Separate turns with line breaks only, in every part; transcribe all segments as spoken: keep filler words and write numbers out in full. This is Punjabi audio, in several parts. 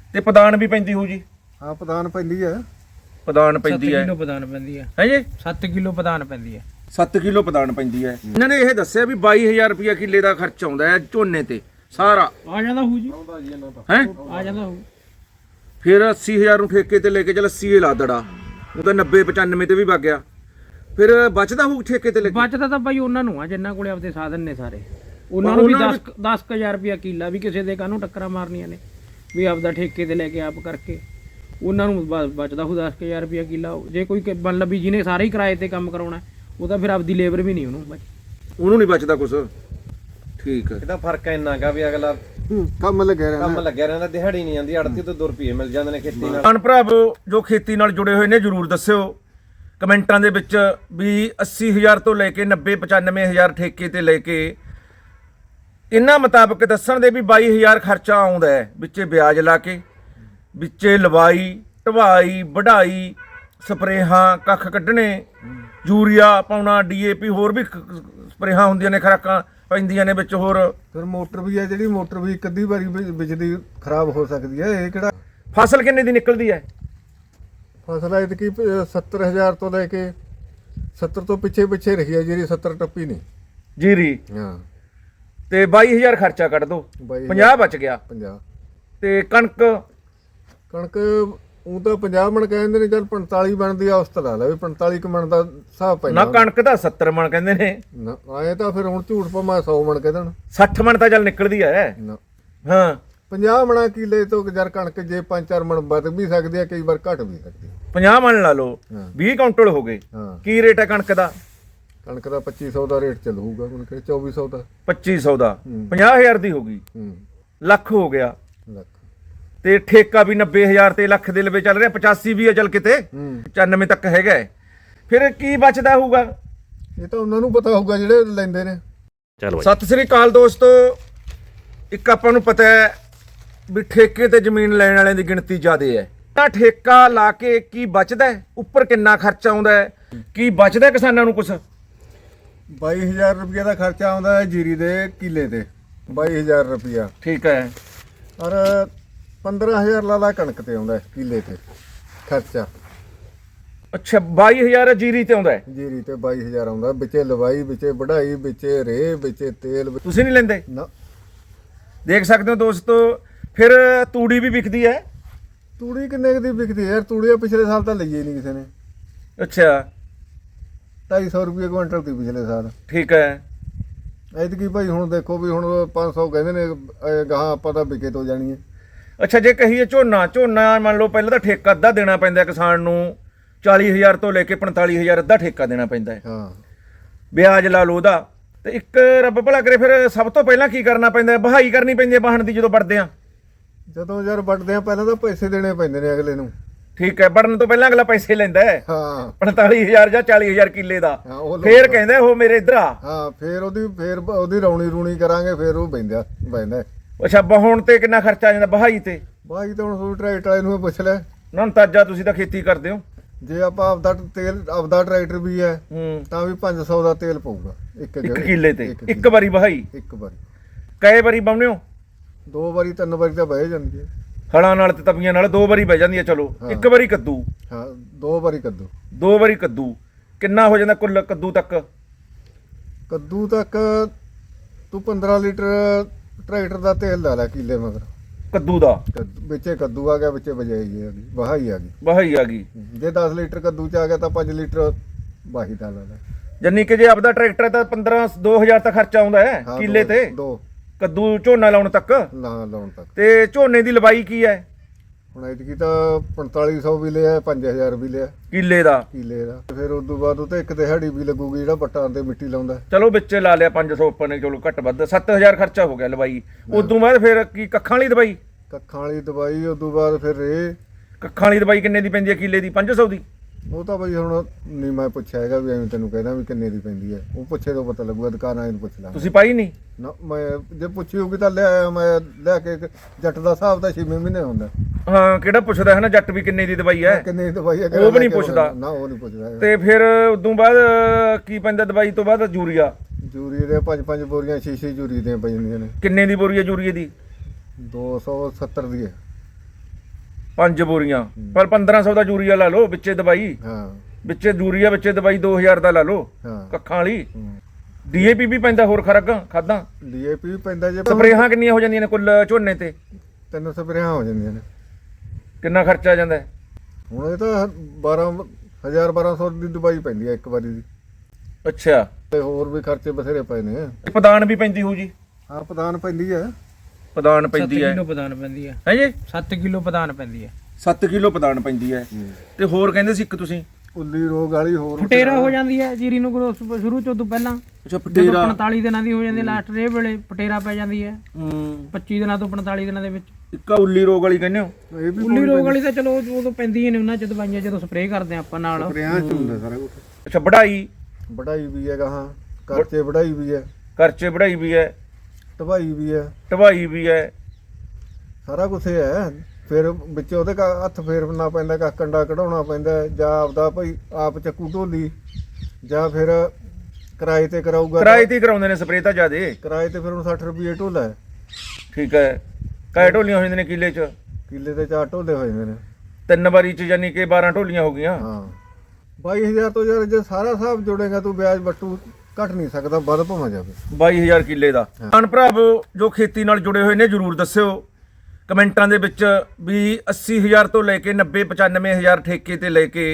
ਤੇ ਪਦਾਨ ਵੀ ਪੈਂਦੀ ਹੋਊ ਜੀ?
ਹਾਂ ਪਦਾਨ ਪੈਂਦੀ ਹੈ।
ਪਦਾਨ ਪੈਂਦੀ ਹੈ
ਕਿਲੋ ਪਦਾਨ ਪੈਂਦੀ ਹੈ
ਹੈ ਜੀ?
ਸੱਤ ਕਿਲੋ ਪਦਾਨ ਪੈਂਦੀ ਹੈ।
ਸੱਤ ਕਿਲੋ ਪਦਾਨ ਪੈਂਦੀ ਹੈ। ਇਹਨਾਂ ਨੇ ਇਹ ਦੱਸਿਆ ਵੀ ਬਾਈ ਹਜ਼ਾਰ ਰੁਪਇਆ ਕਿੱਲੇ ਦਾ ਖਰਚ ਆਉਂਦਾ ਹੈ ਝੋਨੇ ਤੇ ਸਾਰਾ।
ਆ ਜਾਂਦਾ ਹੋਊ ਜੀ,
ਹੈ
ਆ ਜਾਂਦਾ ਹੋਊ।
ਫਿਰ ਅੱਸੀ ਹਜ਼ਾਰ ਨੂੰ ਠੇਕੇ ਤੇ ਲੈ ਕੇ ਚੱਲ ਅੱਸੀ ਹੀ ਲਾ ਦੜਾ, ਉਹ ਤਾਂ ਨੱਬੇ ਪਚਾਨਵੇਂ ਤੇ ਵੀ ਵਗ ਗਿਆ। ਫਿਰ ਬਚਦਾ ਹੋਊ ਠੇਕੇ ਤੇ ਲੈ ਕੇ?
ਬਚਦਾ ਤਾਂ ਬਾਈ ਉਹਨਾਂ ਨੂੰ ਆ ਜਿੰਨਾਂ ਕੋਲੇ ਆਪਦੇ ਸਾਧਨ ਨੇ ਸਾਰੇ, ਉਹਨਾਂ ਨੂੰ ਵੀ ਦਸ ਦਸ ਹਜ਼ਾਰ ਰੁਪਇਆ ਕਿੱਲਾ ਵੀ ਕਿਸੇ ਦੇ ਕਾਹਨੂੰ ਟੱਕਰਾਂ ਮਾਰਨੀਆਂ ਨੇ ਵੀ ਆਪਦਾ ਠੇਕੇ ਤੇ ਲੈ ਕੇ ਆਪ ਕਰਕੇ ਉਹਨਾਂ ਨੂੰ ਬ- ਬਚਦਾ ਹੋਊ ਦਸ ਹਜ਼ਾਰ ਰੁਪਇਆ ਕਿੱਲਾ। ਜੇ ਕੋਈ ਕ- ਮਤਲਬ ਵੀ ਜਿਹਨੇ ਸਾਰੇ ਹੀ ਕਿਰਾਏ ਤੇ ਕੰਮ ਕਰਾਉਣਾ ਉਹ ਤਾਂ ਫਿਰ ਆਪਦੀ ਲੇਬਰ ਵੀ ਨਹੀਂ ਉਹਨੂੰ ਬਚ
ਉਹਨੂੰ ਨਹੀਂ ਬਚਦਾ ਕੁਛ। ਠੀਕ ਹੈ।
ਇਹਦਾ ਫਰਕ ਇੰਨਾ ਗਾ ਵੀ ਅਗਲਾ
ਕੰਮ ਲੱਗਿਆ ਰਹਿੰਦਾ।
ਕੰਮ ਲੱਗਿਆ ਰਹਿੰਦਾ, ਦਿਹਾੜੀ ਨਹੀਂ ਜਾਂਦੀ, ਅੜਤੀ ਤੋਂ ਦੋ ਰੁਪਏ ਮਿਲ ਜਾਂਦੇ ਨੇ ਖੇਤੀ ਨਾਲ।
ਭੈਣ ਭਰਾਵੋ ਜੋ ਖੇਤੀ ਨਾਲ ਜੁੜੇ ਹੋਏ ਨੇ ਜਰੂਰ ਦੱਸਿਓ ਕਮੈਂਟਾਂ ਦੇ ਵਿੱਚ ਵੀ ਅੱਸੀ ਹਜ਼ਾਰ ਤੋਂ ਲੈ ਕੇ ਨੱਬੇ ਪਚਾਨਵੇਂ ਹਜ਼ਾਰ ਠੇਕੇ ਤੇ ਲੈ ਕੇ ਇਹਨਾਂ ਮੁਤਾਬਕ ਦੱਸਣ ਦੇ ਵੀ ਬਾਈ ਹਜ਼ਾਰ ਖਰਚਾ ਆਉਂਦਾ ਹੈ, ਵਿੱਚੇ ਵਿਆਜ ਲਾ ਕੇ, ਵਿੱਚੇ ਲਵਾਈ ਢਵਾਈ ਵਢਾਈ ਸਪਰੇਹਾਂ ਕੱਖ ਕੱਢਣੇ ਯੂਰੀਆ ਪਾਉਣਾ ਡੀਏਪੀ ਹੋਰ ਵੀ ਕ- ਸਪਰੇਹਾਂ ਹੁੰਦੀਆਂ ਨੇ ਖੁਰਾਕਾਂ ਪੈਂਦੀਆਂ ਨੇ ਵਿੱਚ ਹੋਰ।
ਫਿਰ ਮੋਟਰ ਵੀ ਹੈ ਜਿਹੜੀ ਮੋਟਰ ਵੀ ਇੱਕ ਅੱਧੀ ਵਾਰੀ ਬਿ- ਬਿਜਲੀ ਖਰਾਬ ਹੋ ਸਕਦੀ ਹੈ। ਇਹ ਕਿਹੜਾ
ਫਸਲ ਕਿੰਨੇ ਦੀ ਨਿਕਲਦੀ ਹੈ?
ਫਸਲ ਐਤਕੀ ਸੱਤਰ ਹਜ਼ਾਰ ਤੋਂ ਲੈ ਕੇ ਸੱਤਰ ਤੋਂ ਪਿੱਛੇ ਪਿੱਛੇ ਰਹੀ ਹੈ ਜਿਹੜੀ ਸੱਤਰ ਟੱਪੀ ਨਹੀਂ।
ਜੀਰੀ
ਹਾਂ
ਤੇ ਬਾਈ ਹਜ਼ਾਰ ਖਰਚਾ ਕੱਢ ਦੋ,
ਬਾਈ ਹਜ਼ਾਰ।
ਪੰਜਾਹ ਬਚ ਗਿਆ।
ਪੰਜਾਹ।
ਤੇ ਕਣਕ
ਕਣਕ ਉਹ ਤਾਂ ਪੰਜਾਹ ਮਣ ਕਹਿੰਦੇ ਨੇ, ਚੱਲ ਪੰਤਾਲੀ ਬਣਦੀ ਆ ਉਸ ਤੋਂ ਲਾ ਲਾ ਵੀ ਪੰਤਾਲੀ ਕੁ ਮਣ ਦਾ ਹਿਸਾਬ
ਨਾ
ਪੈਂਦਾ।
ਕਣਕ ਤਾਂ ਸੱਤਰ ਮਣ ਕਹਿੰਦੇ ਨੇ,
ਨਾ ਆਏ ਤਾਂ ਫਿਰ ਹੁਣ ਝੂਠ ਭਾਵੇਂ ਸੌ ਮਣ ਕਹਿ ਦੇਣ।
ਸੱਠ ਮਣ ਤਾਂ ਚੱਲ ਨਿਕਲਦੀ ਹੈ।
ਨਾ
ਹਾਂ
ਪੰਜਾਹ ਮਣਾ ਕਿੱਲੇ ਤੋਂ ਜਰ ਕਣਕ ਜੇ ਪੰਜ ਚਾਰ ਮਣ ਵੱਧ ਵੀ ਸਕਦੀ ਹੈ, ਕਈ ਵਾਰ ਘਟ ਵੀ ਸਕਦੀ ਹੈ।
ਪੰਜਾਹ ਮਣ ਲਾ ਲਓ,
ਹਾਂ।
ਵੀਹ ਕੁਇੰਟਲ ਹੋ ਗਏ।
ਹਾਂ
ਕੀ ਰੇਟ ਹੈ ਕਣਕ ਦਾ?
ਕਣਕ ਦਾ ਪੱਚੀ ਸੌ ਦਾ ਰੇਟ ਚੱਲੂਗਾ ਹੁਣ ਕਿ ਚੌਵੀ ਸੌ ਦਾ।
ਪੱਚੀ ਸੌ ਦਾ
ਹੂੰ।
ਪੰਜਾਹ ਹਜ਼ਾਰ ਦੀ ਹੋ ਗਈ,
ਹੂੰ
ਲੱਖ ਹੋ ਗਿਆ।
ਲੱਖ।
ਤੇ ਠੇਕਾ ਵੀ ਨੱਬੇ ਹਜ਼ਾਰ ਤੇ ਲੱਖ ਦੇ ਲਵੇ ਚੱਲ ਰਿਹਾ, ਪਚਾਸੀ ਵੀ ਹੈ ਚੱਲ ਕਿਤੇ
ਹੂੰ
ਪਚਾਨਵੇਂ ਤੱਕ ਹੈਗਾ ਹੈ। ਫਿਰ ਕੀ ਬਚਦਾ ਹੋਊਗਾ?
ਇਹ ਤਾਂ ਉਹਨਾਂ ਨੂੰ ਪਤਾ ਹੋਊਗਾ ਜਿਹੜੇ ਲੈਂਦੇ ਨੇ।
ਚਲੋ
ਸਤਿ ਸ੍ਰੀ ਅਕਾਲ ਦੋਸਤੋ, ਇੱਕ ਆਪਾਂ ਨੂੰ ਪਤਾ ਹੈ ਵੀ ਠੇਕੇ ਤੇ ਜ਼ਮੀਨ ਲੈਣ ਵਾਲਿਆਂ ਦੀ ਗਿਣਤੀ ਜ਼ਿਆਦਾ ਹੈ। ਤਾਂ ਠੇਕਾ ਲਾ ਕੇ ਕੀ ਬਚਦਾ ਹੈ, ਉੱਪਰ ਕਿੰਨਾ ਖਰਚਾ ਆਉਂਦਾ ਹੈ, ਕੀ ਬਚਦਾ ਕਿਸਾਨਾਂ ਨੂੰ ਕੁਛ?
ਬਾਈ ਹਜ਼ਾਰ ਰੁਪਏ ਦਾ ਖਰਚਾ ਆਉਂਦਾ ਹੈ ਜੀਰੀ ਦੇ ਕਿੱਲੇ ਤੇ, ਬਾਈ ਹਜ਼ਾਰ ਰੁਪਇਆ।
ਠੀਕ ਹੈ।
ਔਰ ਪੰਦਰਾਂ ਹਜ਼ਾਰ ਲਾ ਲਾ ਕਣਕ ਤੇ ਆਉਂਦਾ ਹੈ ਕਿੱਲੇ ਤੇ ਖਰਚਾ।
ਅੱਛਾ ਬਾਈ ਹਜ਼ਾਰ ਜੀਰੀ ਤੇ ਆਉਂਦਾ ਹੈ,
ਜੀਰੀ ਤੇ ਬਾਈ ਹਜ਼ਾਰ ਆਉਂਦਾ, ਵਿੱਚੇ ਲਵਾਈ ਵਿੱਚੇ ਵਢਾਈ ਵਿੱਚੇ ਰੇਹ ਵਿੱਚੇ ਤੇਲ ਵਿੱਚ-
ਤੁਸੀਂ ਨਹੀਂ ਲੈਂਦੇ?
ਨਾ
ਦੇਖ ਸਕਦੇ ਹੋ ਦੋਸਤੋ। ਫਿਰ ਤੂੜੀ ਵੀ ਵਿਕਦੀ ਹੈ?
ਤੂੜੀ ਕਿੰਨੇ ਕੁ ਦੀ ਵਿਕਦੀ ਹੈ ਯਾਰ? ਤੂੜੀ ਪਿਛਲੇ ਸਾਲ ਤਾਂ ਲਈ ਹੀ ਨਹੀਂ ਕਿਸੇ ਨੇ।
ਅੱਛਾ
ਢਾਈ ਸੌ ਰੁਪਏ ਕੁਇੰਟਲ ਦੀ ਪਿਛਲੇ ਸਾਲ।
ਠੀਕ ਹੈ।
ਐਤਕੀ ਭਾਈ ਹੁਣ ਦੇਖੋ ਵੀ ਹੁਣ ਪੰਜ ਸੌ ਕਹਿੰਦੇ ਨੇ, ਇਹ ਗਾਹਾਂ ਆਪਾਂ ਤਾਂ ਵਿਕੇ ਤੋਂ ਜਾਣੀ ਹੈ।
ਅੱਛਾ ਜੇ ਕਹੀਏ ਝੋਨਾ ਝੋਨਾ ਮੰਨ ਲਓ ਪਹਿਲਾਂ ਤਾਂ ਠੇਕਾ ਅੱਧਾ ਦੇਣਾ ਪੈਂਦਾ ਕਿਸਾਨ ਨੂੰ, ਚਾਲੀ ਹਜ਼ਾਰ ਤੋਂ ਲੈ ਕੇ ਪੰਤਾਲੀ ਹਜ਼ਾਰ ਅੱਧਾ ਠੇਕਾ ਦੇਣਾ ਪੈਂਦਾ ਹੈ,
ਹਾਂ
ਵਿਆਜ ਲਾ ਲਓ ਉਹਦਾ। ਤੇ ਇੱਕ ਰੱਬ ਭਲਾ ਕਰੇ ਫਿਰ ਸਭ ਤੋਂ ਪਹਿਲਾਂ ਕੀ ਕਰਨਾ ਪੈਂਦਾ ਹੈ? ਵਹਾਈ ਕਰਨੀ ਪੈਂਦੀ ਹੈ ਵਾਹਣ ਦੀ ਜਦੋਂ ਵੜਦੇ ਆ?
ਜਦੋਂ ਯਾਰ ਵੱਢਦੇ ਆ ਪਹਿਲਾਂ ਤਾਂ ਪੈਸੇ ਦੇਣੇ ਪੈਂਦੇ ਨੇ ਅਗਲੇ ਨੂੰ।
ਠੀਕ ਹੈ, ਵੜਨ ਤੋਂ ਪਹਿਲਾਂ ਅਗਲਾ ਪੈਸੇ ਲੈਂਦਾ ਹੈ
ਹਾਂ
ਪੰਤਾਲੀ ਹਜ਼ਾਰ ਜਾਂ ਚਾਲੀ ਹਜ਼ਾਰ ਕਿੱਲੇ ਦਾ।
ਹਾਂ ਉਹ
ਫੇਰ ਕਹਿੰਦਾ ਉਹ ਮੇਰੇ ਇੱਧਰ ਆ।
ਹਾਂ ਫੇਰ ਉਹਦੀ ਫੇਰ ਉਹਦੀ ਰੌਣੀ ਰੂਣੀ ਕਰਾਂਗੇ, ਫੇਰ ਉਹ ਬੈਂਦਾ ਬੈਂਦਾ।
ਅੱਛਾ ਵਹਾਉਣ ਤੇ ਕਿੰਨਾ ਖਰਚਾ ਆ ਜਾਂਦਾ ਵਹਾਈ ਤੇ?
ਬਾਈ ਤਾਂ ਹੁਣ ਤੁਹਾਨੂੰ ਟਰੈਕਟਰ ਵਾਲੇ ਨੂੰ ਹੀ ਪੁੱਛ ਲੈ।
ਨਾ ਅੰਦਾਜ਼ਾ ਤੁਸੀਂ ਤਾਂ ਖੇਤੀ ਕਰਦੇ ਹੋ।
ਜੇ ਆਪਾਂ ਆਪਦਾ ਤੇਲ ਆਪਦਾ ਟਰੈਕਟਰ ਵੀ ਹੈ
ਹੂੰ
ਤਾਂ ਵੀ ਪੰਜ ਸੌ ਦਾ ਤੇਲ ਪਊਗਾ ਇੱਕ
ਇੱਕ
ਜਗ੍ਹਾ-
ਕਿੱਲੇ ਤੇ
ਇੱਕ
ਇੱਕ ਵਾਰੀ ਵਹਾਈ?
ਇੱਕ ਵਾਰੀ।
ਕਈ ਵਾਰੀ ਬਾਉਂਦੇ ਹੋ?
ਦੋ ਵਾਰੀ ਤਿੰਨ ਵਾਰੀ ਤਾਂ ਬਹਿ ਜਾਂਦੀ ਹੈ।
ਹਲਾਂ ਨਾਲ ਤੇ ਤਵੀਆਂ ਨਾਲ ਦੋ ਵਾਰੀ ਬਹਿ ਜਾਂਦੀ ਹੈ। ਚਲੋ
ਹਾਂ।
ਇੱਕ ਵਾਰੀ ਕੱਦੂ,
ਹਾਂ ਦੋ ਵਾਰੀ ਕੱਦੂ।
ਦੋ ਵਾਰੀ ਕੱਦੂ ਕਿੰਨਾ ਹੋ ਜਾਂਦਾ ਕੁੱਲ ਕੱਦੂ ਤੱਕ?
ਕੱਦੂ ਤੱਕ ਤੂੰ ਪੰਦਰਾਂ ਲੀਟਰ ਟਰੈਕਟਰ ਦਾ ਤੇਲ ਲਾ ਲੈ ਕਿੱਲੇ ਮਗਰ।
ਕੱਦੂ ਦਾ
ਕੱਦੂ ਵਿੱਚੇ ਕੱਦੂ ਆ ਗਿਆ, ਵਿੱਚੇ ਬਜਾਈ ਆ ਗਈ ਵਹਾਈ ਆ ਗਈ।
ਵਹਾਈ ਆ ਗਈ।
ਜੇ ਦਸ ਲੀਟਰ ਕੱਦੂ ਚ ਆ ਗਿਆ ਤਾਂ ਪੰਜ ਲੀਟਰ ਵਾਹੀ ਦਾ ਲਾ ਲੈ।
ਜੰਨੀ ਕਿ ਜੇ ਆਪਦਾ ਟਰੈਕਟਰ ਹੈ ਤਾਂ ਪੰਦਰਾਂ ਦੋ ਹਜ਼ਾਰ ਤੱਕ ਖਰਚਾ ਆਉਂਦਾ ਹੈ
ਹਾਂ,
ਕਿੱਲੇ
ਦੋ-
ਤੇ
ਦੋ
ਕੱਦੂ ਝੋਨਾ ਲਾਉਣ ਤੱਕ।
ਲਾ ਲਾਉਣ ਤੱਕ।
ਤੇ ਝੋਨੇ ਦੀ ਲਵਾਈ ਕੀ ਹੈ
ਹੁਣ ਐਤਕੀ ਤਾਂ ਪੰਤਾਲੀ ਸੌ ਵੀ ਲਿਆ, ਪੰਜ ਹਜ਼ਾਰ ਵੀ ਲਿਆ
ਕਿੱਲੇ ਦਾ?
ਕਿੱਲੇ ਦਾ। ਫਿਰ ਉਸ ਤੋਂ ਬਾਅਦ ਉਹ ਤੇ ਇੱਕ ਦਿਹਾੜੀ ਵੀ ਲੱਗੂਗੀ ਜਿਹੜਾ ਵੱਟਾਂ ਤੇ ਮਿੱਟੀ ਲਾਉਂਦਾ।
ਚਲੋ ਵਿੱਚ ਲਾ ਲਿਆ ਪੰਜ ਸੌ ਉੱਪਰ ਨੇ, ਚਲੋ ਘੱਟ ਵੱਧ ਸੱਤ ਹਜ਼ਾਰ ਖਰਚਾ ਹੋ ਗਿਆ ਲਵਾਈ। ਉਦੋਂ ਬਾਅਦ ਫਿਰ ਕੀ ਕੱਖਾਂ ਵਾਲੀ ਦਵਾਈ?
ਕੱਖਾਂ ਵਾਲੀ ਦਵਾਈ, ਉਸ ਤੋਂ ਬਾਅਦ ਫਿਰ ਇਹ
ਕੱਖਾਂ ਵਾਲੀ ਦਵਾਈ ਕਿੰਨੇ ਦੀ ਪੈਂਦੀ ਹੈ ਕਿੱਲੇ ਦੀ? ਪੰਜ ਸੌ ਦੀ?
ਉਹ ਤਾਂ ਬਈ ਹੁਣ ਨਹੀਂ ਮੈਂ ਪੁੱਛਿਆ ਹੈਗਾ ਵੀ ਐਵੇਂ ਤੈਨੂੰ ਕਹਿਣਾ ਵੀ ਕਿੰਨੇ ਦੀ ਪੈਂਦੀ ਹੈ। ਉਹ ਪੁੱਛੇ ਤੋਂ ਪਤਾ ਲੱਗੂਗਾ, ਦੁਕਾਨਾਂ ਇਹਨੂੰ ਪੁੱਛ ਲਾਂ।
ਤੁਸੀਂ ਪਾਈ ਨਹੀਂ?
ਨਾ ਮੈਂ ਜੇ ਪੁੱਛੀ ਹੋਊਗੀ ਤਾਂ ਲਿਆਇਆ ਮੈਂ ਲਿਆ ਕੇ। ਜੱਟ ਦਾ ਹਿਸਾਬ ਤਾਂ ਛੇਵੇਂ ਮਹੀਨੇ ਹੁੰਦਾ।
ਹਾਂ ਕਿਹੜਾ ਪੁੱਛਦਾ ਹੈ ਨਾ ਜੱਟ ਵੀ ਕਿੰਨੇ ਦੀ ਦਵਾਈ ਹੈ।
ਕਿੰਨੇ ਦੀ ਦਵਾਈ ਹੈ
ਉਹ ਵੀ ਨਹੀਂ ਪੁੱਛਦਾ।
ਨਾ ਉਹ ਨਹੀਂ ਪੁੱਛਦਾ ਹੈਗਾ।
ਤੇ ਫਿਰ ਉਦੋਂ ਬਾਅਦ ਕੀ ਪੈਂਦਾ ਦਵਾਈ ਤੋਂ ਬਾਅਦ? ਯੂਰੀਆ।
ਜੂਰੀ ਦੇ ਪੰਜ ਪੰਜ ਬੋਰੀਆਂ ਛੇ ਛੇ ਜੂਰੀ ਦੀਆਂ ਪੈ ਜਾਂਦੀਆਂ ਨੇ।
ਕਿੰਨੇ ਦੀ ਬੋਰੀ ਹੈ ਯੂਰੀਏ ਦੀ?
ਦੋ ਸੌ ਸੱਤਰ ਦੀ ਹੈ।
ਪੰਜ ਬੋਰੀਆਂ ਪਰ ਪੰਦਰਾਂ ਸੌ ਦਾ ਯੂਰੀਆ ਲਾ ਲਓ ਵਿੱਚੇ ਦਵਾਈ
ਹਾਂ
ਵਿੱਚੇ ਯੂਰੀਆ ਵਿੱਚੇ ਦਵਾਈ ਦੋ ਹਜ਼ਾਰ ਦਾ ਲਾ ਲਓ
ਹਾਂ
ਕੱਖਾਂ ਵਾਲੀ ਡੀਏਪੀ ਵੀ ਪੈਂਦਾ ਹੋਰ ਖਰਗਾ ਖਾਦਾਂ
ਡੀਏਪੀ ਵੀ ਪੈਂਦਾ ਜੇ
ਸਪਰੇਹਾਂ ਕਿੰਨੀਆਂ ਹੋ ਜਾਂਦੀਆਂ ਨੇ ਕੁੱਲ ਝੋਨੇ ਤੇ
ਤਿੰਨ ਸਪਰੇਆਂ ਹੋ ਜਾਂਦੀਆਂ ਨੇ।
ਕਿੰਨਾ ਖਰਚਾ ਆ ਜਾਂਦਾ ਹੈ?
ਹੁਣ ਇਹ ਤਾਂ ਬਾਰਾਂ ਹਜ਼ਾਰ ਬਾਰਾਂ ਸੌ ਦੀ ਦਵਾਈ ਪੈਂਦੀ ਹੈ ਇੱਕ ਵਾਰੀ ਦੀ,
ਅੱਛਾ
ਤੇ ਹੋਰ ਵੀ ਖਰਚੇ ਬਥੇਰੇ ਪਏ ਨੇ।
ਪਦਾਨ ਵੀ ਪੈਂਦੀ ਹੋਊ ਜੀ?
ਹਾਂ ਪ੍ਰਧਾਨ ਪੈਂਦੀ ਹੈ।
ਪਦਾਨ
ਸੱਤ
ਪੈਂਦੀ ਹੈ
ਕਿਲੋ ਪਦਾਨ ਪੈਂਦੀ ਹੈ
ਹੈ ਜੀ
ਸੱਤ ਕਿਲੋ ਪਦਾਨ ਪੈਂਦੀ ਹੈ
ਸੱਤ ਕਿਲੋ ਪਦਾਨ ਪੈਂਦੀ ਹੈ ਤੇ ਹੋਰ ਕਹਿੰਦੇ ਸੀ ਇੱਕ ਤੁਸੀਂ
ਉੱਲੀ ਰੋਗ ਵਾਲੀ ਹੋਰ
ਫਟੇਰਾ ਹੋ ਜਾਂਦੀ ਹੈ ਜੀਰੀ ਨੂੰ ਗਰੋਸ ਸ਼ੁਰੂ ਤੋਂ ਤੋਂ ਪਹਿਲਾਂ
ਅੱਛਾ
ਜਦੋਂ
ਪਟੇਰਾ
ਪੰਤਾਲੀ ਦਿਨਾਂ ਦੀ ਹੋ ਜਾਂਦੀ ਲਾਸਟ ਰੇ ਵੇਲੇ ਫਟੇਰਾ ਪੈ ਜਾਂਦੀ ਹੈ
ਹੂੰ
ਪੱਚੀ ਦਿਨਾਂ ਤੋਂ ਪੰਤਾਲੀ ਦਿਨਾਂ ਦੇ ਵਿੱਚ।
ਇੱਕ ਉੱਲੀ ਰੋਗ ਵਾਲੀ ਕਹਿੰਦੇ ਹੋ?
ਇਹ ਵੀ
ਉੱਲੀ ਰੋਗ ਵਾਲੀ ਤਾਂ ਚਲੋ ਉਦੋਂ ਪੈਂਦੀਆਂ ਨੇ ਉਹਨਾਂ ਚ ਦਵਾਈਆਂ ਜਦੋਂ ਸਪਰੇਅ ਕਰਦੇ ਆ ਆਪਾਂ ਨਾਲ।
ਸਪਰੇਆਂ ਚ ਹੁੰਦਾ ਸਾਰਾ ਕੁਝ।
ਅੱਛਾ ਵਢਾਈ
ਵਢਾਈ ਵੀ ਹੈਗਾ, ਹਾਂ ਕਰਚੇ ਵਢਾਈ ਵੀ ਹੈ,
ਖਰਚੇ ਵਢਾਈ ਵੀ ਹੈ
ਢਵਾਈ ਵੀ ਹੈ,
ਢਵਾਈ ਵੀ ਹੈ
ਸਾਰਾ ਕੁਝ ਹੈ। ਫਿਰ ਵਿੱਚ ਉਹਦੇ ਕਾ- ਹੱਥ ਫੇਰਨਾ ਪੈਂਦਾ, ਕਾ ਕੰਡਾ ਕਢਾਉਣਾ ਪੈਂਦਾ, ਜਾਂ ਆਪਦਾ ਭਾਈ ਆਪ ਚੱਕੂ ਢੋਲੀ, ਜਾਂ ਫਿਰ ਕਿਰਾਏ ਤੇ ਕਰਾਊਗਾ।
ਕਿਰਾਏ ਤੇ ਹੀ ਕਰਾਉਂਦੇ ਨੇ ਸਪਰੇਅ ਤਾਂ ਜ਼ਿਆਦੇ।
ਕਿਰਾਏ ਤੇ ਫਿਰ ਹੁਣ ਸੱਠ ਰੁਪਏ ਢੋਲਾ ਹੈ।
ਠੀਕ ਹੈ ਕਾਏ ਢੋਲੀਆਂ ਹੋ ਜਾਂਦੀਆਂ ਨੇ ਕਿੱਲੇ 'ਚ?
ਕਿੱਲੇ ਤੇ ਚਾਰ ਢੋਲੇ ਹੋ ਜਾਂਦੇ ਨੇ।
ਤਿੰਨ ਵਾਰੀ 'ਚ ਯਾਨੀ ਕਿ ਬਾਰਾਂ ਢੋਲੀਆਂ ਹੋ ਗਈਆਂ।
ਹਾਂ ਬਾਈ ਹਜ਼ਾਰ ਤੋਂ ਯਾਰ ਜੇ ਸਾਰਾ ਹਿਸਾਬ ਜੋੜੇਗਾ ਤੂੰ ਵਿਆਜ ਵੱਟੂ ਘਟ ਨਹੀਂ ਸਕਦਾ, ਵੱਧ ਭਾਵੇਂ ਜਾਵੇ।
ਬਾਈ ਹਜ਼ਾਰ ਕਿੱਲੇ ਦਾ। ਅਣ ਭਰਾਵੋ ਜੋ ਖੇਤੀ ਨਾਲ ਜੁੜੇ ਹੋਏ ਨੇ ਜਰੂਰ ਦੱਸਿਓ ਕਮੈਂਟਾਂ ਦੇ ਵਿੱਚ ਵੀ ਅੱਸੀ ਹਜ਼ਾਰ ਤੋਂ ਲੈ ਕੇ ਨੱਬੇ ਪਚਾਨਵੇਂ ਹਜ਼ਾਰ ਠੇਕੇ ਤੇ ਲੈ ਕੇ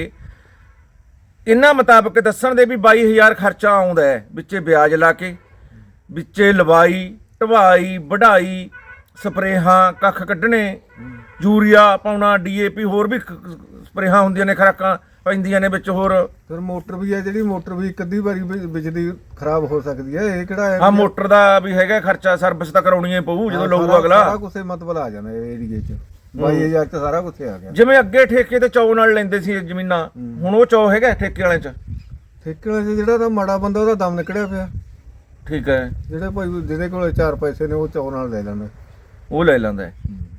ਇਹਨਾਂ ਮੁਤਾਬਕ ਦੱਸਣ ਦੇ ਵੀ ਬਾਈ ਹਜ਼ਾਰ ਖਰਚਾ ਆਉਂਦਾ ਹੈ ਵਿੱਚੇ ਵਿਆਜ ਲਾ ਕੇ, ਵਿੱਚੇ ਲਵਾਈ ਢਵਾਈ ਵਢਾਈ ਸਪਰੇਹਾਂ ਕੱਖ ਕੱਢਣੇ ਯੂਰੀਆ ਪਾਉਣਾ ਡੀਏਪੀ ਹੋਰ ਵੀ ਖ- ਸਪਰੇਹਾਂ ਹੁੰਦੀਆਂ ਨੇ ਖੁਰਾਕਾਂ ਪੈਂਦੀਆਂ ਨੇ ਵਿੱਚ ਹੋਰ।
ਫਿਰ ਮੋਟਰ ਵੀ ਹੈ ਜਿਹੜੀ ਮੋਟਰ ਵੀ ਇੱਕ ਅੱਧੀ ਵਾਰੀ ਵੀ ਬਿਜਲੀ ਖਰਾਬ ਹੋ ਸਕਦੀ ਹੈ। ਇਹ ਕਿਹੜਾ ਹੈ
ਹਾਂ ਮੋਟਰ ਦਾ ਵੀ ਹੈਗਾ ਖਰਚਾ, ਸਰਵਿਸ ਤਾਂ ਕਰਾਉਣੀ ਹੀ ਪਊ ਜਦੋਂ ਲਊਗਾ
ਸਾਰਾ
ਅਗਲਾ।
ਕੁਛ ਮਤਲਬ ਆ ਜਾਂਦਾ ਇਹ ਏਰੀਏ 'ਚ ਬਾਈ ਹਜ਼ਾਰ 'ਚ ਸਾਰਾ ਕੁਝ ਆ ਗਿਆ।
ਜਿਵੇਂ ਅੱਗੇ ਠੇਕੇ ਤੇ ਚੌ ਨਾਲ ਲੈਂਦੇ ਸੀ ਜ਼ਮੀਨਾਂ, ਹੁਣ ਉਹ ਚੌ ਹੈਗਾ ਠੇਕੇ ਵਾਲਿਆਂ 'ਚ?
ਠੇਕੇ ਵਾਲੇ 'ਚ ਜਿਹੜਾ ਤਾਂ ਮਾੜਾ ਬੰਦਾ ਉਹਦਾ ਦਮ ਨਿਕਲਿਆ ਪਿਆ।
ਠੀਕ ਹੈ
ਜਿਹੜੇ ਭਾਈ ਜਿਹਦੇ ਕੋਲ ਚਾਰ ਪੈਸੇ ਨੇ ਉਹ ਚੌ ਨਾਲ ਲੈ ਲੈਂਦਾ।
ਉਹ ਲੈ ਲੈਂਦਾ ਹੈ।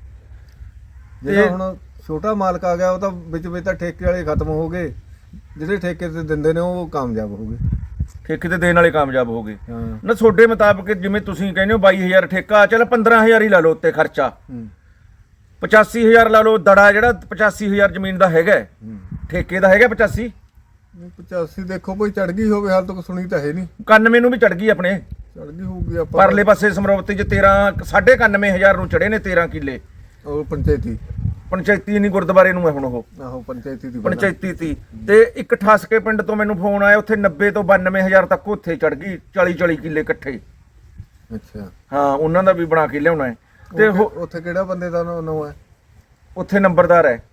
ਜਿਹੜਾ ਹੁਣ ਛੋਟਾ ਮਾਲਕ ਆ ਗਿਆ ਉਹ ਤਾਂ ਵਿੱਚ ਵਿੱਚ ਤਾਂ ਠੇਕੇ ਵਾਲੇ ਖਤਮ ਹੋ ਗਏ, ਜਿਹੜੇ ਠੇਕੇ ਤੇ ਦਿੰਦੇ ਨੇ ਉਹ ਕਾਮਯਾਬ ਹੋ ਗਏ।
ਠੇਕੇ ਤੇ ਦੇਣ ਵਾਲੇ ਕਾਮਯਾਬ ਹੋ ਗਏ
ਹਾਂ
ਨਾ। ਤੁਹਾਡੇ ਮੁਤਾਬਕ ਜਿਵੇਂ ਤੁਸੀਂ ਕਹਿੰਦੇ ਹੋ ਬਾਈ ਹਜ਼ਾਰ ਠੇਕਾ, ਚੱਲ ਪੰਦਰਾਂ ਹਜ਼ਾਰ ਹੀ ਲਾ ਲਓ ਉੱਤੇ ਖਰਚਾ,
ਹੂੰ
ਪਚਾਸੀ ਹਜ਼ਾਰ ਲਾ ਲਓ ਦੜਾ ਜਿਹੜਾ ਪਚਾਸੀ ਹਜ਼ਾਰ ਜ਼ਮੀਨ ਦਾ ਹੈਗਾ ਹੈ।
ਹੂੰ
ਠੇਕੇ ਦਾ ਹੈਗਾ ਪਚਾਸੀ।
ਪਚਾਸੀ ਦੇਖੋ ਕੋਈ ਚੜ ਗਈ ਹੋਵੇ, ਹਾਲ ਤੱਕ ਸੁਣੀ ਤਾਂ ਹੈ ਨਹੀਂ।
ਇਕਾਨਵੇਂ ਨੂੰ ਵੀ ਚੜ ਗਈ ਆਪਣੇ
ਚੜ ਗਈ ਹੋਊਗੀ ਆਪਾਂ
ਪਰਲੇ ਪਾਸੇ ਸਮਰੋਵਤੀ 'ਚ ਤੇਰਾਂ ਸਾਢੇ ਇਕਾਨਵੇਂ ਹਜ਼ਾਰ ਨੂੰ ਚੜੇ ਨੇ ਤੇਰਾਂ ਕਿੱਲੇ।
ਉਹ ਪੰਚਾਇਤੀ
ਪੰਚਾਇਤੀ ਨਹੀਂ ਗੁਰਦੁਆਰੇ ਨੂੰ ਹੈ ਹੁਣ ਉਹ
ਆਹੋ ਪੰਚਾਇਤੀ ਦੀ
ਪੰਚਾਇਤੀ ਤੀ। ਤੇ ਇੱਕ ਠਾਸਕੇ ਪਿੰਡ ਤੋਂ ਮੈਨੂੰ ਫੋਨ ਆਇਆ ਉੱਥੇ ਨੱਬੇ ਤੋਂ ਬਾਨਵੇਂ ਹਜ਼ਾਰ ਤੱਕ ਉੱਥੇ ਚੜ ਗਈ, ਚਾਲੀ ਚਾਲੀ ਕਿੱਲੇ ਇਕੱਠੇ।
ਅੱਛਾ
ਹਾਂ ਉਹਨਾਂ ਦਾ ਵੀ ਬਣਾ ਕੇ ਲਿਆਉਣਾ ਹੈ। ਤੇ
ਉੱਥੇ-
ਉਹ-
ਉੱਥੇ ਕਿਹੜਾ ਬੰਦੇ ਦਾ ਨਾਂ ਹੈ?
ਉੱਥੇ ਨੰਬਰਦਾਰ ਹੈ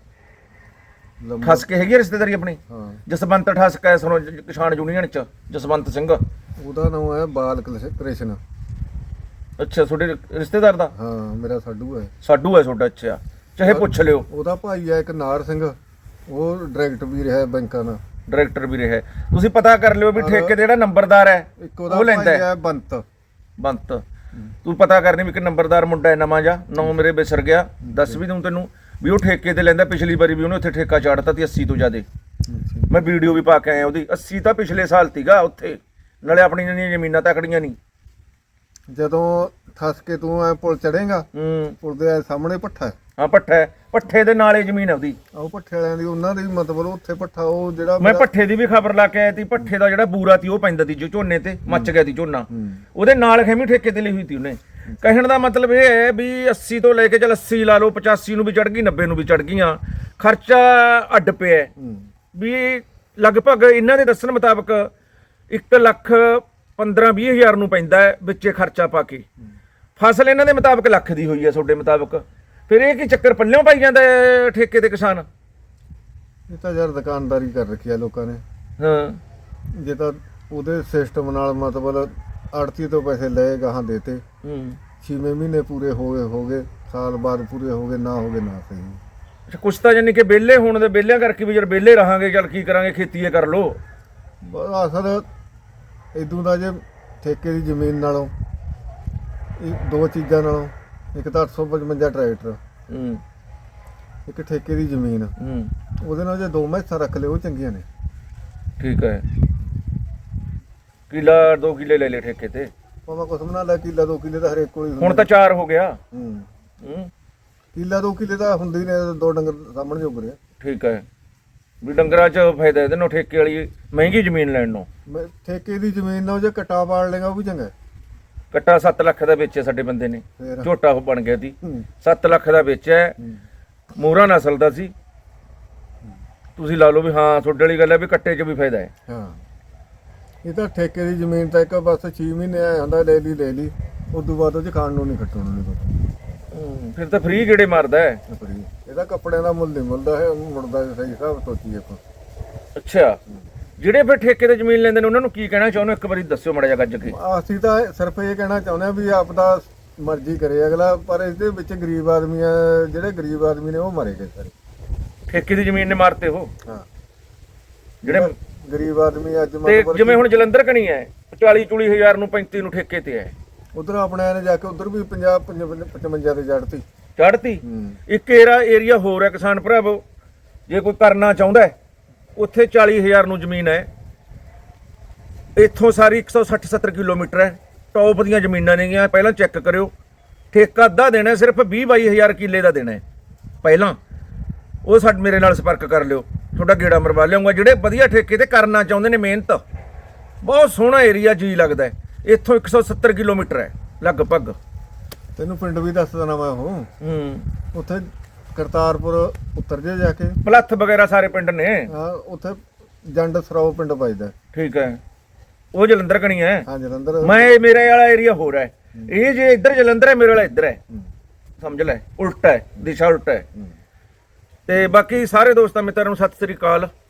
ਲੰਬਾ-
ਠਾਸਕੇ ਹੈਗੀ ਆ ਰਿਸ਼ਤੇਦਾਰੀ ਆਪਣੀ।
ਹਾਂ
ਜਸਵੰਤ ਠਾਸਕਾ ਹੈ ਸੁਣੋ ਜ- ਕਿਸਾਨ ਯੂਨੀਅਨ ਚ ਜਸਵੰਤ ਸਿੰਘ।
ਉਹਦਾ ਨਾਮ ਹੈ ਬਾਲ ਕ੍ਰਿਸ਼- ਕ੍ਰਿਸ਼ਨ।
ਅੱਛਾ ਤੁਹਾਡੇ ਰਿਸ਼ਤੇਦਾਰ ਦਾ?
ਹਾਂ ਮੇਰਾ ਸਾਡੂ ਹੈ।
ਸਾਡੂ ਹੈ ਤੁਹਾਡਾ? ਅੱਛਾ ਚਾਹੇ ਪੁੱਛ ਲਿਓ।
ਉਹਦਾ ਭਾਈ ਹੈ ਇੱਕ ਨਾਰ ਸਿੰਘ, ਉਹ ਡਾਇਰੈਕਟਰ ਵੀ ਰਿਹਾ ਬੈਂਕਾਂ ਦਾ।
ਡਾਇਰੈਕਟਰ ਵੀ ਰਿਹਾ। ਤੁਸੀਂ ਪਤਾ ਕਰ ਲਿਓ ਵੀ ਠੇਕੇ ਤੇ ਜਿਹੜਾ ਨੰਬਰਦਾਰ ਹੈ
ਇੱਕ ਉਹਦਾ
ਉਹ ਲੈਂਦਾ
ਭਾਈ
ਹੈ
ਹੈ ਬੰਤ।
ਬੰਤ। ਤੂੰ ਪਤਾ ਕਰਨੀ ਵੀ ਕਿ ਨੰਬਰਦਾਰ ਮੁੰਡਾ ਹੈ ਨਵਾਂ ਜਾ, ਨਾਂ ਮੇਰੇ ਵਿਸਰ ਗਿਆ, ਦੱਸ ਵੀ ਦੂੰ ਤੈਨੂੰ ਵੀ ਉਹ ਠੇਕੇ ਤੇ ਲੈਂਦਾ। ਪਿਛਲੀ ਵਾਰੀ ਵੀ ਉਹਨੇ ਉੱਥੇ ਠੇਕਾ ਚਾੜਤਾ ਤੀ ਅੱਸੀ ਤੋਂ ਜ਼ਿਆਦੇ। ਮੈਂ ਵੀਡੀਓ ਵੀ ਪਾ ਕੇ ਆਇਆ ਉਹਦੀ। ਅੱਸੀ ਤਾਂ ਪਿਛਲੇ ਸਾਲ ਤੀਗਾ ਉੱਥੇ, ਨਾਲੇ ਆਪਣੀਆਂ ਨੀ ਜ਼ਮੀਨਾਂ ਤਕੜੀਆਂ ਨਹੀਂ।
ਜਦੋਂ ਥਸ ਕੇ ਤੂੰ ਐ ਪੁਲ ਚੜੇਗਾ,
ਹੂੰ
ਪੁਲ ਦੇ ਸਾਹਮਣੇ ਭੱਠਾ ਹੈ।
ਹਾਂ ਪੱਠਾ ਹੈ, ਪੱਠੇ ਦੇ ਨਾਲੇ ਜ਼ਮੀਨ ਹੈ ਉਹਦੀ।
ਉਹ ਭੱਠੇ ਵਾਲਿਆਂ ਦੀ, ਉਹਨਾਂ ਦੀ ਮਤਲਬ ਉੱਥੇ ਭੱਠਾ ਉਹ ਜਿਹੜਾ
ਮੈਂ ਪੱਠੇ ਦੀ ਵੀ ਖਬਰ ਲਾ ਕੇ ਆਇਆ ਤੀ। ਪੱਠੇ ਦਾ ਜਿਹੜਾ ਬੂਰਾ ਤੀ ਉਹ ਪੈਂਦਾ ਤੀ ਜੋ ਝੋਨੇ ਤੇ ਮੱਚ ਗਿਆ ਤੀ ਝੋਨਾ, ਉਹਦੇ ਨਾਲ ਖੈਮੀ ਠੇਕੇ ਤੇ ਲਈ ਹੋਈ ਤੀ ਉਹਨੇ। ਕਹਿਣ ਦਾ ਮਤਲਬ ਇਹ ਹੈ ਵੀ ਅੱਸੀ ਤੋਂ ਲੈ ਕੇ ਚੱਲ ਅੱਸੀ ਲਾ ਲਓ, ਪਚਾਸੀ ਨੂੰ ਵੀ ਚੜ ਗਈ, ਨੱਬੇ ਨੂੰ ਵੀ ਚੜ ਗਈਆਂ, ਖਰਚਾ ਅੱਡ ਪਿਆ ਵੀ ਲਗਭਗ ਇਹਨਾਂ ਦੇ ਦੱਸਣ ਮੁਤਾਬਕ ਇੱਕ ਲੱਖ ਪੰਦਰਾਂ ਵੀਹ ਹਜ਼ਾਰ ਨੂੰ ਪੈਂਦਾ ਹੈ ਵਿੱਚੇ ਖਰਚਾ ਪਾ ਕੇ। ਫਸਲ ਇਹਨਾਂ ਦੇ ਮੁਤਾਬਕ ਲੱਖ ਦੀ ਹੋਈ ਹੈ ਤੁਹਾਡੇ ਮੁਤਾਬਕ। ਫਿਰ ਇਹ ਕੀ ਚੱਕਰ ਪੱਲਿਓਂ ਪਾਈ ਜਾਂਦਾ ਹੈ ਠੇਕੇ ਤੇ ਕਿਸਾਨ?
ਇਹ ਤਾਂ ਯਾਰ ਦੁਕਾਨਦਾਰੀ ਕਰ ਰੱਖੀ ਆ ਲੋਕਾਂ ਨੇ।
ਹਾਂ
ਜੇ ਤਾਂ ਉਹਦੇ ਸਿਸਟਮ ਨਾਲ ਮਤਲਬ ਆੜਤੀ ਤੋਂ ਪੈਸੇ ਲਏ ਗਾਹਾਂ ਦੇਤੇ,
ਹੂੰ
ਛੇਵੇਂ ਮਹੀਨੇ ਪੂਰੇ ਹੋ ਗਏ ਹੋ ਗਏ ਸਾਲ ਬਾਅਦ ਪੂਰੇ ਹੋ ਗਏ, ਨਾ ਹੋ ਗਏ ਨਾ ਸਹੀ।
ਅੱਛਾ ਕੁਛ ਤਾਂ ਯਾਨੀ ਕਿ ਵਿਹਲੇ ਹੋਣ ਦੇ ਵਿਹਲਿਆਂ ਕਰਕੇ ਵੀ ਯਾਰ ਵਿਹਲੇ ਰਹਾਂਗੇ, ਚੱਲ ਕੀ ਕਰਾਂਗੇ, ਖੇਤੀ ਕਰ ਲੋ।
ਬਸ ਅਸਲ ਇਦੋਂ ਦਾ ਜੇ ਠੇਕੇ ਦੀ ਜ਼ਮੀਨ ਨਾਲੋਂ ਇਹ ਦੋ ਚੀਜ਼ਾਂ ਨਾਲੋਂ, ਇੱਕ ਤਾਂ ਅੱਠ ਸੌ ਪਚਵੰਜਾ ਟਰੈਕਟਰ,
ਹੂੰ
ਇੱਕ ਠੇਕੇ ਦੀ ਜ਼ਮੀਨ,
ਹੂੰ
ਉਹਦੇ ਨਾਲ ਜੇ ਦੋ ਮੈਸਾਂ ਰੱਖ ਲਿਓ ਉਹ ਚੰਗੀਆਂ ਨੇ।
ਠੀਕ ਹੈ। ਕਿੱਲਾ ਦੋ ਕਿੱਲੇ ਲੈ ਲੈ ਠੇਕੇ ਤੇ,
ਭਾਵੇਂ ਕੁਛ ਬਣਾ ਲੈ, ਕਿੱਲਾ ਦੋ ਕਿੱਲੇ ਤਾਂ ਹਰੇਕ ਕੋਲ ਹੀ
ਹੁਣ
ਹੁੰਦੇ
ਤਾਂ ਚਾਰ ਹੋ ਗਿਆ।
ਹੂੰ
ਹੂੰ
ਕਿੱਲਾ ਦੋ ਕਿੱਲੇ ਤਾਂ ਹੁੰਦੇ ਹੀ ਨੇ, ਦੋ ਡੰਗਰ ਸਾਹਮਣੇ ਜੋਗ ਰਿਹਾ।
ਠੀਕ ਹੈ, ਵੀ ਡੰਗਰਾਂ 'ਚ ਫਾਇਦਾ ਇਹਦੇ ਨਾਲ ਠੇਕੇ ਵਾਲੀ ਮਹਿੰਗੀ ਜ਼ਮੀਨ ਲੈਣ ਨੂੰ।
ਮੈਂ ਠੇਕੇ ਦੀ ਜ਼ਮੀਨ ਨਾਲ ਜੇ ਕਟਾ ਪਾੜ ਲੇਗਾ ਉਹ ਵੀ ਚੰਗਾ ਹੈ।
ਕੱਟਾ ਸੱਤ ਲੱਖ ਦਾ ਵੇਚਿਆ ਸਾਡੇ ਬੰਦੇ ਨੇ,
ਫੇਰ
ਝੋਟਾ ਉਹ ਬਣ ਗਿਆ ਸੀ,
ਹੂੰ।
ਸੱਤ ਲੱਖ ਦਾ ਵੇਚਿਆ,
ਹੂੰ।
ਮੋਹਰਾ ਨਸਲ ਦਾ ਸੀ। ਤੁਸੀਂ ਲਾ ਲਓ ਵੀ ਹਾਂ ਤੁਹਾਡੇ ਵਾਲੀ ਗੱਲ ਹੈ ਵੀ ਕੱਟੇ 'ਚ ਵੀ ਫਾਇਦਾ ਹੈ।
ਹਾਂ, ਇਹ ਤਾਂ ਠੇਕੇ ਦੀ ਜ਼ਮੀਨ ਤਾਂ ਇੱਕ ਬਸ ਛੇ ਮਹੀਨੇ ਆਇਆ ਹੁੰਦਾ, ਲੈ ਲਈ ਲੈ ਲਈ, ਉਸ ਤੋਂ ਬਾਅਦ ਉਹ 'ਚ ਖਾਣ ਨੂੰ ਨਹੀਂ ਕੱਟਣ ਨੂੰ ਨਹੀਂ ਪਤਾ।
ਫਿਰ ਤਾਂ ਫ੍ਰੀ ਗੇੜੇ ਮਾਰਦਾ ਹੈ।
ਫਰੀ ਇਹਦਾ ਕੱਪੜਿਆਂ ਦਾ ਮੁੱਲ ਨਹੀਂ ਮਿਲਦਾ ਹੈ, ਮੁੜਦਾ ਸਹੀ ਹਿਸਾਬ ਸੋਚੀਏ ਆਪਾਂ।
ਅੱਛਾ, ਜਿਹੜੇ ਫਿਰ ਠੇਕੇ ਤੇ ਜ਼ਮੀਨ ਲੈਂਦੇ ਨੇ ਉਹਨਾਂ ਨੂੰ ਕੀ ਕਹਿਣਾ ਚਾਹੁੰਦੇ ਹੋ? ਇੱਕ ਵਾਰੀ ਦੱਸਿਓ ਮਾੜਾ ਜਿਹਾ ਗੱਜ ਕੇ।
ਅਸੀਂ ਤਾਂ ਸਿਰਫ ਇਹ ਕਹਿਣਾ ਚਾਹੁੰਦੇ ਆ ਵੀ ਆਪਦਾ ਮਰਜ਼ੀ ਕਰੇ ਅਗਲਾ, ਪਰ ਇਹਦੇ ਵਿੱਚ ਗਰੀਬ ਆਦਮੀ ਆ, ਜਿਹੜੇ ਗਰੀਬ ਆਦਮੀ ਨੇ ਉਹ ਮਰੇ ਗਏ ਸਾਰੇ।
ਠੇਕੇ ਦੀ ਜ਼ਮੀਨ ਨੇ ਮਾਰਤੇ ਉਹ
ਹਾਂ,
ਜਿਹੜੇ
ਗਰੀਬ ਆਦਮੀ ਅੱਜ
ਤੇ
ਮਤਲਬ
ਜਿਵੇਂ ਹੁਣ ਜਲੰਧਰ ਕਣੀ ਹੈ ਚਾਲੀ ਚੂਲੀ ਹਜ਼ਾਰ ਨੂੰ ਪੈਂਤੀ ਨੂੰ ਠੇਕੇ ਤੇ ਹੈ,
ਉਧਰ ਆਪਣੇ ਨੇ ਜਾ ਕੇ ਉਧਰ ਵੀ ਪੰਜਾਹ ਪਚਵੰਜਾ ਤੇ ਜੜਤੀ।
ਚੜ੍ਹਤੀ।
ਹੂੰ।
ਇੱਕ ਏਰਾ ਏਰੀਆ ਹੋਰ ਹੈ ਕਿਸਾਨ ਭਰਾਵੋ, ਜੇ ਕੋਈ ਕਰਨਾ ਚਾਹੁੰਦਾ ਹੈ, ਉੱਥੇ ਚਾਲੀ ਹਜ਼ਾਰ ਨੂੰ ਜ਼ਮੀਨ ਹੈ। ਇੱਥੋਂ ਸਾਰੀ ਇੱਕ ਸੌ ਸੱਠ ਸੱਤਰ ਕਿਲੋਮੀਟਰ ਹੈ, ਟੌਪ ਦੀਆਂ ਜ਼ਮੀਨਾਂ ਨੇਗੀਆਂ। ਪਹਿਲਾਂ ਚੈੱਕ ਕਰਿਓ, ਠੇਕਾ ਅੱਧਾ ਦੇਣਾ, ਸਿਰਫ ਵੀਹ ਬਾਈ ਹਜ਼ਾਰ ਕਿੱਲੇ ਦਾ ਦੇਣਾ ਹੈ ਪਹਿਲਾਂ। ਉਹ ਸਾਡੇ ਮੇਰੇ ਨਾਲ ਸੰਪਰਕ ਕਰ ਲਿਓ, ਤੁਹਾਡਾ ਗੇੜਾ ਮਰਵਾ ਲਿਆਉਂਗਾ। ਜਿਹੜੇ ਵਧੀਆ ਠੇਕੇ ਤੇ ਕਰਨਾ ਚਾਹੁੰਦੇ ਨੇ ਮਿਹਨਤ, ਬਹੁਤ ਸੋਹਣਾ ਏਰੀਆ ਜੀ ਲੱਗਦਾ ਹੈ। ਇੱਥੋਂ ਇੱਕ ਸੌ ਸੱਤਰ ਕਿਲੋਮੀਟਰ ਹੈ ਲਗਭਗ।
ਤੈਨੂੰ ਪਿੰਡ ਵੀ ਦੱਸ ਦੇਣਾ ਮੈਂ ਉਹ,
ਹੂੰ,
ਉੱਥੇ ਕਰਤਾਰਪੁਰ ਉਤਰ ਜੇ ਜਾ ਕੇ,
ਪਲੱਥ ਵਗੈਰਾ ਸਾਰੇ ਪਿੰਡ ਨੇ।
ਹਾਂ ਉੱਥੇ ਜੰਡ ਸਰਾਓ ਪਿੰਡ ਵੱਜਦਾ।
ਠੀਕ ਹੈ, ਉਹ ਜਲੰਧਰ ਕਣੀ ਹੈ।
ਹਾਂ ਜਲੰਧਰ।
ਮੈਂ ਮੇਰੇ ਵਾਲਾ ਏਰੀਆ ਹੋਰ ਹੈ, ਇਹ ਜੇ ਇੱਧਰ ਜਲੰਧਰ ਹੈ, ਮੇਰੇ ਵਾਲਾ ਇੱਧਰ ਹੈ, ਸਮਝ ਲੈ, ਉਲਟਾ ਹੈ, ਦਿਸ਼ਾ ਉਲਟਾ ਹੈ।
ਹੂੰ।
ਤੇ ਬਾਕੀ ਸਾਰੇ ਦੋਸਤਾਂ ਮਿੱਤਰਾਂ ਨੂੰ ਸਤਿ ਸ੍ਰੀ ਅਕਾਲ।